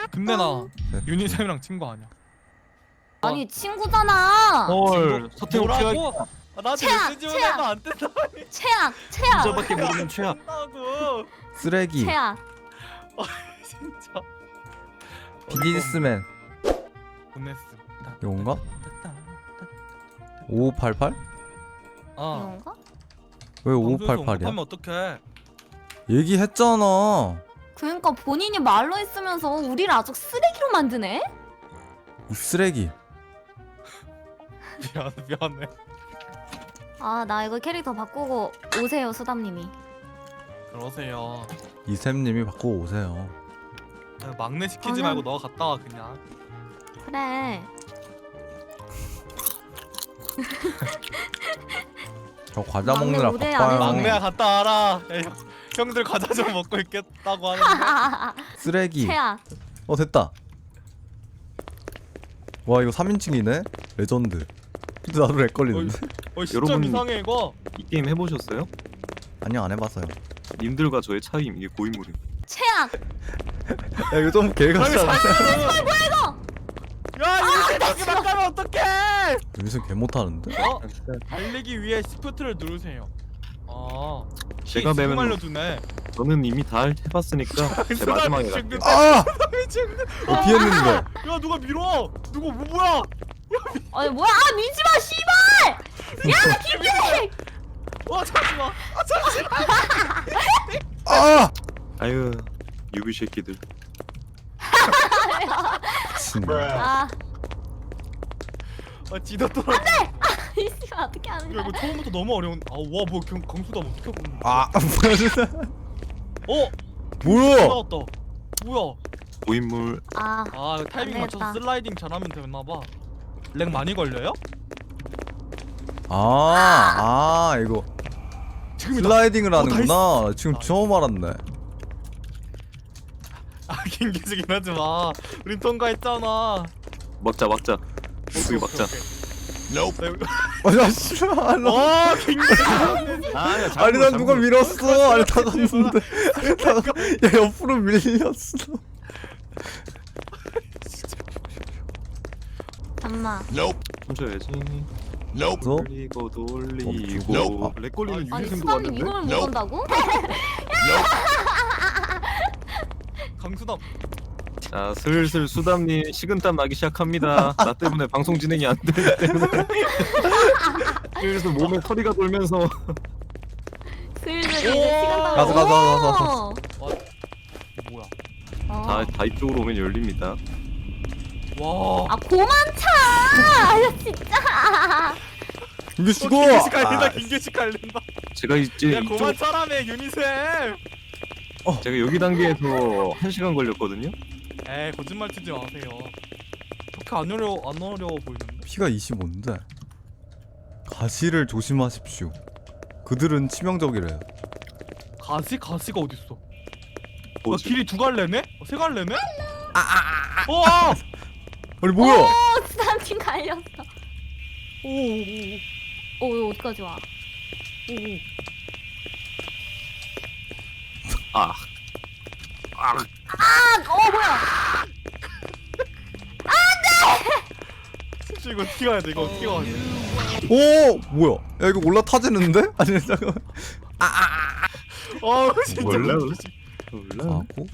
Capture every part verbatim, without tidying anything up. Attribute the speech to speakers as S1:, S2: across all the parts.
S1: 근데 나 유니쌤이랑 친구 아니야.
S2: 아니 친구잖아.
S3: 헐 서태웅 최악.
S1: 뭐라고? 아, 나한테
S2: 최악,
S1: 메시지
S2: 최악.
S1: 보내면 안 된다.
S2: 최악, 최악,
S3: 진짜밖에 모르는 최악.
S1: 한다고.
S4: 쓰레기.
S2: 최악.
S1: 진짜.
S4: 비즈니스맨.
S1: 보냈어.
S4: 이건가? 오오팔팔?
S1: 아.
S2: 이건가?
S4: 왜 오오팔팔이야?
S1: 하면 어떡해?
S4: 얘기했잖아.
S2: 그러니까 본인이 말로 했으면서 우리를 아주 쓰레기로 만드네.
S4: 이 쓰레기.
S1: 미안해 미안해.
S2: 아 나 이거 캐릭터 바꾸고 오세요 수담님이.
S1: 그러세요.
S4: 이샘님이 바꾸고 오세요.
S1: 막내 시키지
S2: 저는-
S1: 말고 너가 갔다 와 그냥.
S2: 그래.
S4: 저 과자
S2: 막내
S4: 먹느라
S2: 무대
S4: 바빠요.
S2: 안 해도
S1: 막내야 갔다 와라. 에이, 형들 과자 좀 먹고 있겠다고 하는데.
S4: 쓰레기.
S2: 최악.
S4: 어 됐다. 와 이거 삼인칭이네? 레전드. 근데 나도 렉 걸리는데?
S1: 어 시점
S3: 여러분-
S1: 이상해 이거.
S3: 이 게임 해보셨어요?
S4: 아니요 안 해봤어요.
S3: 님들과 저의 차이임 이게 고인물임.
S2: 최악.
S4: 야 이거 좀 개같지 않아?
S1: 야 이거 이렇게 막 가면 어떡해?
S4: 여기서 개 못하는데?
S1: 어? 달리기 위해 시프트를 누르세요. 아.
S3: 제가
S1: 지금
S3: 매면-
S1: 알려주네.
S3: 저는 이미 다 해봤으니까 제 마지막에 갈게요.
S4: 아!
S1: 미친.
S4: 어 피했는데.
S1: 야 누가 밀어? 누가 뭐 뭐야?
S2: 아니 뭐야? 아 밀지마 씨발. 야 김규식.
S1: 와 잠시만. 아 잠시만.
S4: 아!
S3: 아유 유비 새끼들.
S4: 진짜.
S2: 아
S1: 아 지도 떨어.
S2: 이 씨발 어떻게 하는
S1: 야
S2: 거야?
S1: 이거 처음부터 너무 어려운. 아와뭐 강수다 어떻게 보는 거야?
S4: 아 뭐야 진짜.
S1: 어?
S4: 뭐야?
S1: 나왔다. 뭐야?
S3: 고인물.
S2: 아
S1: 아 이거 타이밍
S2: 안
S1: 맞춰서
S2: 되겠다.
S1: 슬라이딩 잘하면 되나봐. 렉 많이 걸려요?
S4: 아, 아 이거
S1: 지금이다.
S4: 슬라이딩을
S1: 어,
S4: 하는구나. 지금
S1: 나이스.
S4: 처음 알았네.
S1: 아 긴기지긴 하지 마. 우린 통과했잖아.
S3: 막자 막자. 모두게 막자.
S4: 아나 싫어.
S1: 와 긴기지.
S3: 아니야
S4: 아니 난 누가 밀었어. 아니 다 갔는데. 아니 다 가- 야 옆으로 밀렸어.
S2: 잠마.
S3: 던져야지.
S4: 그래서
S3: 돌리고 돌리고. 렉 걸리는
S2: 아니
S3: 유니생도
S2: 수담님
S3: 왔는데?
S2: 이걸 못 온다고?
S1: 강수담.
S3: 자 슬슬 수담님 식은땀 나기 시작합니다. 나 때문에 방송 진행이 안 되기 때문에 슬슬 몸에 털이가 돌면서
S2: 슬슬 이제 시간 다.
S4: 가자, 가자, 가자, 가자.
S1: 뭐야?
S3: 다, 다 이쪽으로 오면 열립니다.
S1: 와.
S2: 아 고만 차. 아 진짜.
S4: 이게
S1: 어,
S4: 죽어.
S1: 긴기지 갈린다.
S4: 아,
S1: 긴기지 갈린다.
S3: 제가 이제
S1: 야
S3: 이쪽
S1: 고만 차라며 유니셈.
S3: 제가 여기 단계에서 한 시간 걸렸거든요.
S1: 에이 거짓말 치지 마세요. 그렇게 안 어려 안 어려워 보이는데?
S4: 피가 이십오인데. 가시를 조심하십시오. 그들은 치명적이래요.
S1: 가시 가시가 어디 있어? 어,
S3: 뭐지?
S1: 길이 두 갈래네? 어, 세 갈래네? 아아아. 어.
S4: 아니 뭐야?
S2: 오 수담님 갈렸어.
S1: 오오오.
S2: 오 이거 어디까지 와?
S1: 오.
S3: 아, 아,
S2: 아어 뭐야?
S1: 이거 어떻게 가야 돼? 이거 어떻게 가야 돼?
S4: 오 뭐야? 야 이거 올라타지는데? 아니 잠깐.
S1: 어 진짜.
S3: 몰라,
S1: 너무
S3: 몰라.
S4: 가고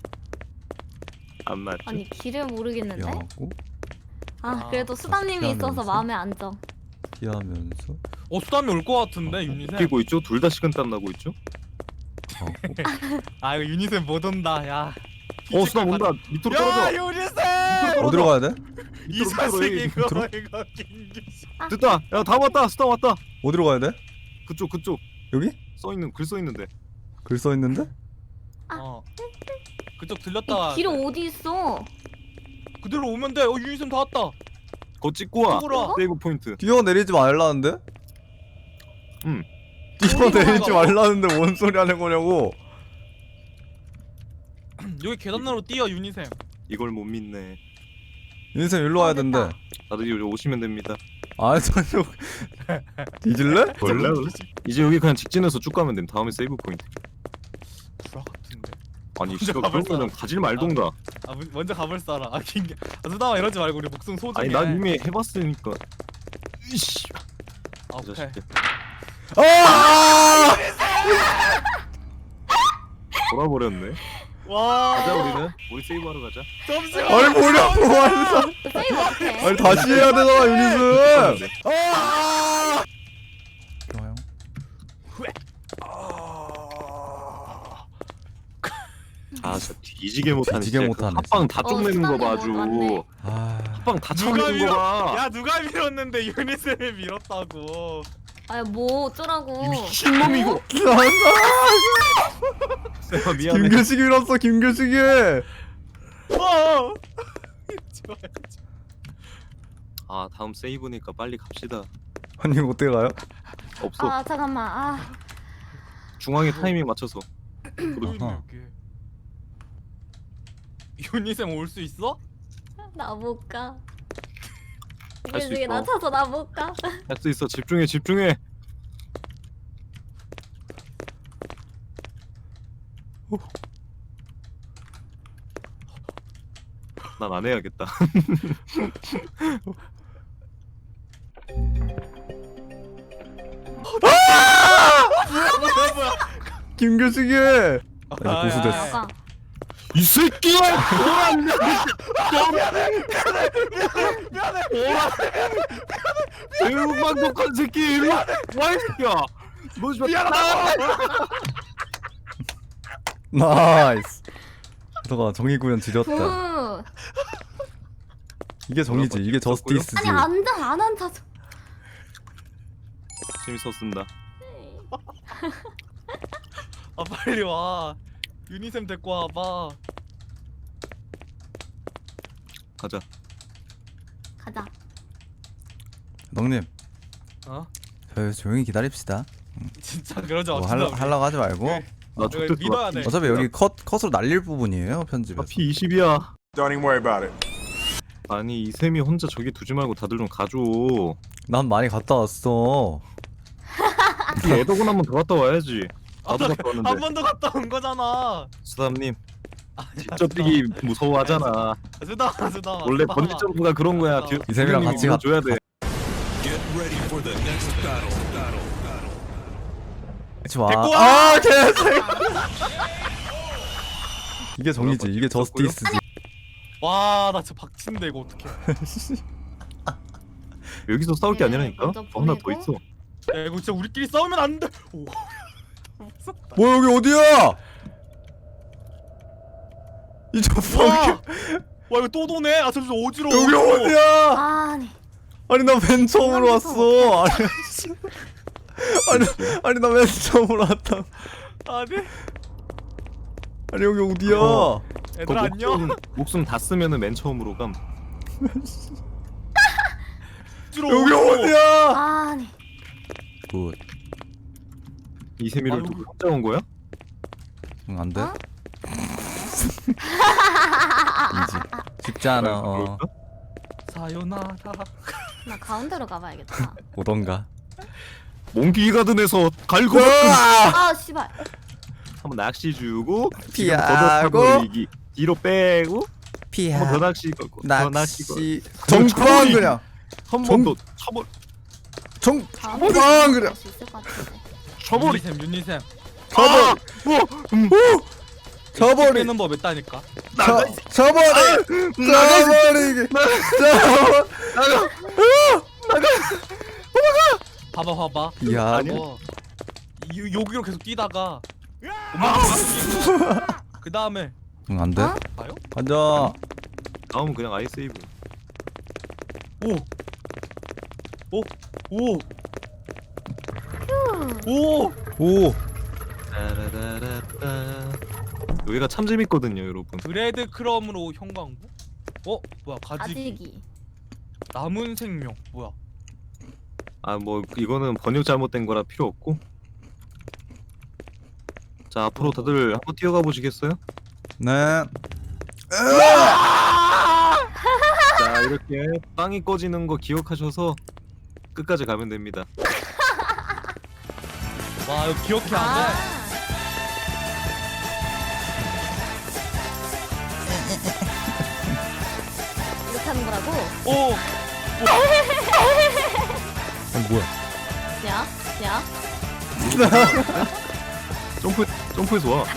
S3: 안 맞죠?
S2: 아니 길을 모르겠는데?
S4: 피하고
S2: 아 그래도
S1: 아,
S2: 수담님이 있어서
S4: 피하면서.
S2: 마음에 안정.
S4: 피하면서
S1: 어 수담이 올 것 같은데 유니셈.
S3: 뛰고 있죠? 둘 다 식은땀 나고 있죠?
S4: 가고.
S1: 아 이거 유니셈 못 온다. 야.
S3: 어, 수담 온다. 밑으로
S1: 야
S3: 떨어져.
S1: 유니셈.
S4: 어디로 가야 돼?
S1: 이
S3: 밑으로
S1: 자식
S3: 떨어져,
S1: 이거
S4: 밑으로?
S1: 이거 긴기지.
S3: 됐다. 야, 다 왔다. 수담 왔다.
S4: 어디로 가야 돼?
S3: 그쪽, 그쪽.
S4: 여기?
S3: 써 있는 글 써 있는데.
S4: 글 써 있는데?
S1: 어. 그쪽
S2: 이
S1: 들렸다.
S2: 길은 어디 있어?
S1: 그대로 오면 돼. 어 유니셈 다 왔다.
S3: 거 찍고 와.
S1: 찍어라.
S3: 세이브 포인트.
S4: 뛰어내리지 말라는데?
S3: 응.
S4: 뛰어내리지 말라는데 뭔 소리 하는 거냐고.
S1: 여기 계단으로 뛰어 유니셈.
S3: 이걸 못 믿네.
S4: 윤쌤 일로 와야
S2: 어, 됐다.
S4: 된대.
S3: 다들 여기 오시면 됩니다.
S4: 아 저쪽 뒤질래?
S3: 몰라. 이제 여기 그냥 직진해서 쭉 가면 됨. 다음에 세이브 포인트.
S1: 불화 같은데.
S3: 아니
S1: 먼저
S3: 씨발
S1: 가볼
S3: 그러면은 가질 말던가.
S1: 아 문- 먼저 가볼 사람. 아 김. 아 수담아 이러지 말고 우리 목숨 소중해.
S3: 아니 난 이미 해봤으니까. 이씨.
S1: 아,
S3: 이
S1: 오케이.
S3: 자식들.
S4: 아!
S3: 돌아버렸네.
S1: 와.
S3: 가자 우리는. 우리 세이브하러 가자.
S1: 잠시만.
S4: 아니 뭐냐고 아니,
S2: 세이브 어때?
S4: 아니 다시 해야 되잖아 유닛은.
S3: 네.
S4: 아! 좋아요.
S3: 아 진짜 뒤지게 못하네.
S4: 뒤지게
S3: 진짜.
S4: 못하네,
S3: 합방 다
S2: 진짜.
S3: 쪽내는
S2: 어,
S3: 거 봐 아주.
S2: 수담이 못 왔네.
S4: 아.
S3: 합방 다
S1: 누가
S3: 쳐내는 거
S1: 밀어?
S3: 봐.
S1: 야 누가 밀었는데 유니쌤이 밀었다고.
S2: 아뭐 어쩌라고.
S3: 미친놈이 이거. 내가 미안해.
S4: 김규식이 밀었어 김규식이.
S1: 어. 좋아요.
S3: 아 다음 세이브니까 빨리 갑시다.
S4: 아니 어떻게 가요?
S3: 없어.
S2: 아 잠깐만. 아
S3: 중앙에 타이밍 맞춰서.
S4: 아하.
S1: 유니쌤 올 수 있어?
S2: 나 못 가.
S3: 갈수
S2: 이게
S3: 있어.
S2: 나 찾아 나 못 가.
S3: 할 수 있어. 집중해 집중해. 난 안 해야겠다.
S1: 뭐야 뭐야.
S4: 김규식이.
S1: 아,
S4: 고수됐어.
S1: 야, 야.
S2: 나가.
S3: 이 새끼야! 오란다! 배우만독한 새끼 일로 와! 이 새끼야! 너 지금 미안하다!
S4: 나이스. 너가 정의 구현 지렸다.
S2: 후.
S4: 이게 정의지. 이게 저스티스지.
S2: 아니 앉아 안 앉아.
S3: 재밌었습니다.
S1: 아 빨리 와. 유니쌤 데리고 와봐.
S3: 가자.
S2: 가자.
S4: 넉님,
S1: 어?
S4: 저 조용히 기다립시다.
S1: 진짜 그러지 마.
S4: 뭐
S1: 진짜
S4: 할라,
S1: 우리.
S4: 하려고 하지 말고.
S1: 네.
S3: 나
S1: 이거
S3: 족됐어.
S1: 믿어야 돼.
S4: 어차피 여기 컷 컷으로 날릴 부분이에요 편집에서.
S3: 피 이십이야.
S5: Don't even worry about it.
S3: 아니 이샘이 혼자 저기 두지 말고 다들 좀 가줘.
S4: 난 많이 갔다 왔어.
S3: 이 애덕은 한번 더 갔다 와야지. 나도 갔다
S1: 한
S3: 왔는데.
S1: 번 더 갔다 온 거잖아.
S3: 수담님 직접 뛰기 무서워하잖아.
S1: 수담아 수담아.
S3: 원래
S1: 수담아.
S3: 번지 점프가 그런 거야. 뒤-
S4: 이샘이랑
S3: 선생님이
S4: 같이
S3: 밀어줘야 돼.
S4: 같이 와.
S1: 데리고 와!
S4: 아 개새. 이게 정의지. 이게 저스티스지.
S1: 와, 나 진짜 박친데 이거 어떡해.
S3: 여기서 싸울 게
S2: 네,
S3: 아니라니까.
S2: 먼저
S3: 어, 하나 더
S2: 보내고.
S3: 있어.
S1: 야, 이거 진짜 우리끼리 싸우면 안 돼. 오.
S4: 뭐 여기 어디야? 이저
S1: 와,
S4: 펑.
S1: 와 이거 또 도네. 아 잠시 어지러워.
S4: 여기 어디야?
S2: 아니.
S4: 아니 나 맨 처음으로 왔어. 아니 아니 아니 나 맨 처음으로 왔다.
S1: 아니,
S4: 아니 여기 어디야?
S3: 어.
S1: 애들
S3: 그거
S1: 안녕.
S3: 목숨, 목숨 다 쓰면은 맨 처음으로 감.
S1: 어지러워.
S4: 여기 어디야?
S2: 아니.
S4: 굿.
S3: 이세미를
S1: 아이고.
S3: 두고 혼자 온 거야?
S4: 응, 안 돼?
S2: 어?
S4: 이지. 쉽지 않아. 어.
S3: 그럴까?
S1: 사요나라.
S2: 나 가운데로 가봐야겠다.
S4: 오던가.
S3: 몽키 가든에서 갈고
S2: 아 씨발.
S3: 한번 낚시 주고
S4: 피하고.
S3: 걷어차버리기. 뒤로 빼고
S4: 피하.
S3: 한번 더 낚시 걸고 더 낚시 걸고
S4: 낚시. 정빵 그냥.
S3: 한
S4: 정-
S3: 번 더 쳐버
S4: 정.
S2: 가운데
S4: 빵 그냥.
S2: 갈수 있을 것 같은데.
S3: 쳐버리.
S1: 유니쌤, 유니쌤.
S3: 아! 뭐? 음.
S4: 저버리.
S1: 빼는 법 있다니까.
S3: 나가.
S4: 저 저버리. 저버리기. 저버.
S1: 봐봐, 봐봐.
S4: 야.
S1: 어, 이- 여기로 계속 뛰다가 그 다음에
S4: 응, 안 돼?
S2: 어?
S1: 봐요?
S4: 앉아.
S3: 다음은 그냥 아이 세이브.
S1: 오, 오, 오, 오.
S4: 오.
S3: 따라라라따. 여기가 참 재밌거든요, 여러분.
S1: 브레드 크럼으로 형광부? 어, 뭐야 가지기.
S2: 가지기.
S1: 남은 생명 뭐야?
S3: 아, 뭐 이거는 번역 잘못된 거라 필요 없고. 자, 앞으로 다들 한번 뛰어가 보시겠어요?
S4: 네.
S3: 자, 이렇게 빵이 꺼지는 거 기억하셔서 끝까지 가면 됩니다.
S1: 와 이거 기억해 안 돼?
S2: 아. 하는 거라고.
S1: 오.
S4: 어 뭐야?
S2: 야, 야.
S3: 점프 점프해서 와.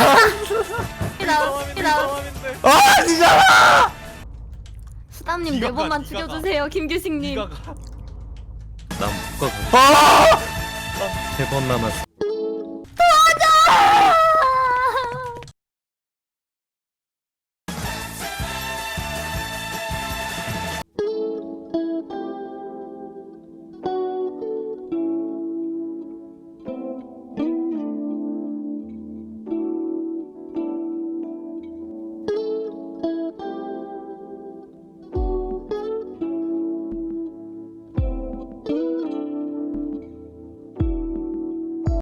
S2: 나와, 나와.
S4: 아 진짜!
S2: 수담님
S1: 니가
S2: 네 번만
S1: 가, 니가
S2: 죽여주세요, 김규식님.
S1: 니가 가.
S3: 난못 가고
S4: 아!
S3: 세 번 남았어.